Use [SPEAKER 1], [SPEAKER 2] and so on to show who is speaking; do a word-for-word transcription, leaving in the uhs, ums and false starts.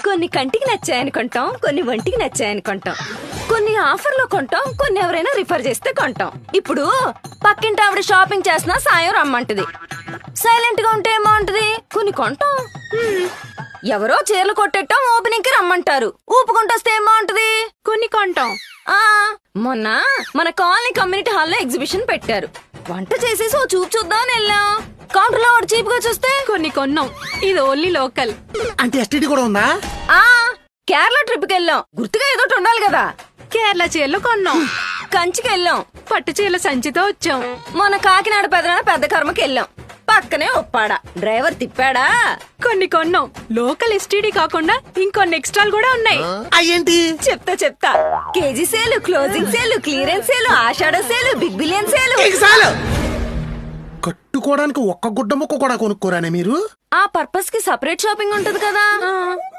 [SPEAKER 1] కొన్ని కంటికి నచ్చాయని కొంటాం, కొన్ని ఒంటికి నచ్చాయని కొంటాం, కొన్ని ఆఫర్లో కొంటాం, కొన్ని ఎవరైనా రిఫర్ చేస్తే కొంటాం. ఇప్పుడు పక్కింటి ఆవిడ షాపింగ్ చేసినా సాయం రమ్మంటది. సైలెంట్ గా ఉంటే ఏమంటది? కొన్ని కొంటాం. హ్మ్. ఎవరో చీరలు కొట్టేటం ఓపెనింగ్ కి రమ్మంటారు. ఊపుకుంటొస్తే ఏమంటది? కొన్ని కొంటాం. ఆ మొన్న మన కాలనీ కమ్యూనిటీ హాల్లో ఎగ్జిబిషన్ పెట్టారు. వంట చేసేసి ఓ చూపు చూద్దామని వెళ్ళాం. కౌంటర్ లో చీప్ గా చూస్తే కొన్ని కొన్నాం. ఇది ఓన్లీ లోకల్.
[SPEAKER 2] అంటే ఎస్టీడీ కూడా ఉందా?
[SPEAKER 1] ఆ కేరళ ట్రిప్ కి వెళ్ళాం. గుర్తుగా ఏదో ఉండాలి కదా.
[SPEAKER 3] కేరళ చీరలు కొన్నాం.
[SPEAKER 1] కంచికి వెళ్ళాం.
[SPEAKER 3] పట్టు చీరల సంచితో వచ్చాం.
[SPEAKER 1] మన కాకినాడ పెదనాడ పెద్ద కర్మకి వెళ్ళాం. పక్కనే ఒప్పాడా డ్రైవర్ తిప్పాడా.
[SPEAKER 3] కొన్ని కొన్నాం. లోకల్ ఎస్టీడీ కాకుండా ఇంకొన్ని ఎక్స్ట్రాలు కూడా ఉన్నాయి.
[SPEAKER 2] అయ్యేంటి?
[SPEAKER 1] చెప్తా చెప్తా. KG sale, closing sale, clearance sale, ఆషాఢ సేలు, బిగ్ బిలియన్ సేలు.
[SPEAKER 2] కట్టుకోవడానికి ఒక్క గుడ్డ ముక్క కూడా కొనుక్కోరానే మీరు?
[SPEAKER 1] ఆ పర్పస్ కి సపరేట్ షాపింగ్ ఉంటది కదా.